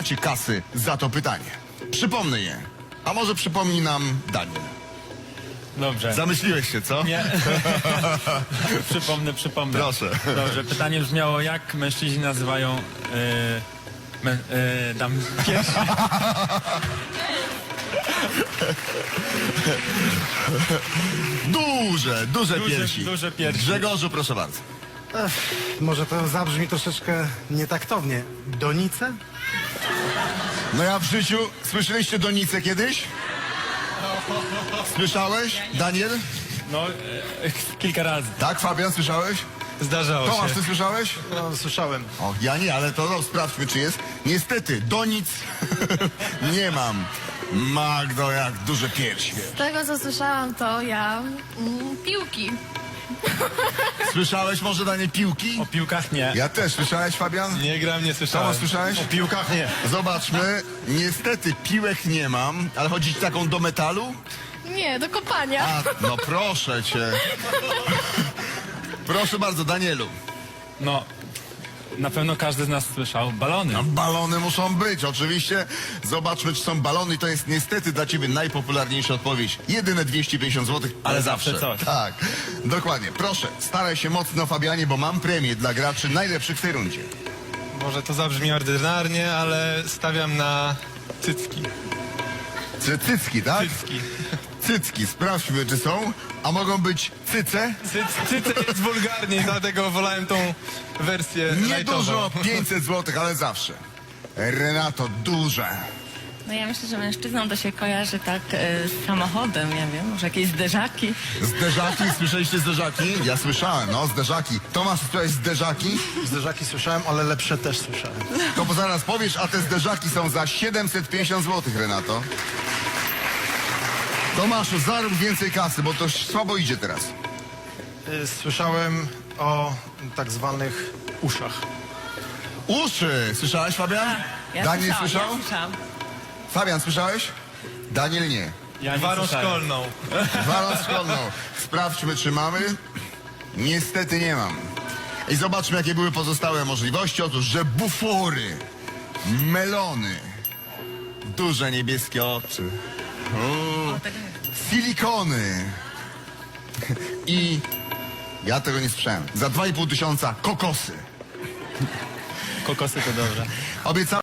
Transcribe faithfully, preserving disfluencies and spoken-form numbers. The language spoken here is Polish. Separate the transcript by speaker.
Speaker 1: macie kasy za to pytanie. Przypomnę je. A może przypomni nam Daniel.
Speaker 2: Dobrze.
Speaker 1: Zamyśliłeś się, co?
Speaker 2: Nie. przypomnę, przypomnę.
Speaker 1: Proszę.
Speaker 2: Dobrze, pytanie brzmiało, jak mężczyźni nazywają... Yy, mę, yy, dam piersi?
Speaker 1: Duże, duże
Speaker 2: Duże-
Speaker 1: piersi.
Speaker 2: duże piersi.
Speaker 1: Grzegorzu, proszę bardzo.
Speaker 3: Ech, może to zabrzmi troszeczkę nietaktownie. Donice?
Speaker 1: No ja w życiu... Słyszeliście donicę kiedyś? Słyszałeś, Daniel?
Speaker 2: No, yy, kilka razy.
Speaker 1: Tak, Fabian, słyszałeś?
Speaker 4: Zdarzało
Speaker 1: Tomasz,
Speaker 4: się.
Speaker 1: ty słyszałeś?
Speaker 4: No, słyszałem.
Speaker 1: O, ja nie, ale to no, sprawdźmy, czy jest. Niestety, do nic nie mam. Magdo, jak duże piersi.
Speaker 5: Z tego, co słyszałam, to ja mm, piłki.
Speaker 1: Słyszałeś może, Danie, piłki?
Speaker 2: O piłkach nie.
Speaker 1: Ja też. Słyszałeś, Fabian?
Speaker 4: Nie gram, nie słyszałem.
Speaker 1: Tomasz, słyszałeś?
Speaker 4: O piłkach nie.
Speaker 1: Zobaczmy. Niestety, piłek nie mam, ale chodzi ci taką do metalu?
Speaker 5: Nie, do kopania.
Speaker 1: A, no proszę cię. Proszę bardzo, Danielu.
Speaker 2: No, na pewno każdy z nas słyszał. Balony.
Speaker 1: No, balony muszą być, oczywiście. Zobaczmy, czy są balony. To jest niestety dla ciebie najpopularniejsza odpowiedź. Jedyne dwieście pięćdziesiąt złotych, ale,
Speaker 2: Ale
Speaker 1: zawsze.
Speaker 2: zawsze coś.
Speaker 1: Tak, dokładnie. Proszę, staraj się mocno, Fabianie, bo mam premię dla graczy najlepszych w tej rundzie.
Speaker 4: Może to zabrzmi ordynarnie, ale stawiam na cycki.
Speaker 1: Cy cycki, tak?
Speaker 4: Cycki.
Speaker 1: Cycki, sprawdźmy, czy są. A mogą być cyce?
Speaker 4: Cyc, cyce jest wulgarniej, dlatego wolałem tą wersję
Speaker 1: Niedużo,
Speaker 4: lightową.
Speaker 1: pięćset złotych, ale zawsze. Renato, duże.
Speaker 6: No ja myślę, że mężczyznom to się kojarzy tak e, z samochodem, ja wiem, może jakieś zderzaki.
Speaker 1: Zderzaki, słyszeliście zderzaki? Ja słyszałem, no, zderzaki. Tomasz, słyszałeś zderzaki?
Speaker 3: Zderzaki słyszałem, ale lepsze też słyszałem.
Speaker 1: To zaraz powiesz, a te zderzaki są za siedemset pięćdziesiąt złotych, Renato. Tomaszu, zarób więcej kasy, bo to słabo idzie teraz.
Speaker 3: Y, Słyszałem o tak zwanych uszach.
Speaker 1: Uszy! Słyszałeś, Fabian?
Speaker 6: Ja
Speaker 1: Daniel
Speaker 6: słyszałam,
Speaker 1: słyszał?
Speaker 6: Ja słyszałam.
Speaker 1: Fabian, słyszałeś? Daniel nie.
Speaker 2: Ja nie
Speaker 4: Gwarą
Speaker 2: słyszałem.
Speaker 4: szkolną.
Speaker 1: Gwarą szkolną. Sprawdźmy, czy mamy. Niestety nie mam. I zobaczmy, jakie były pozostałe możliwości. Otóż, że bufory, melony, duże niebieskie oczy,
Speaker 6: O, tak,
Speaker 1: silikony i ja tego nie słyszałem. Za dwa i pół tysiąca kokosy.
Speaker 2: Kokosy to dobrze.
Speaker 1: Obiecałem.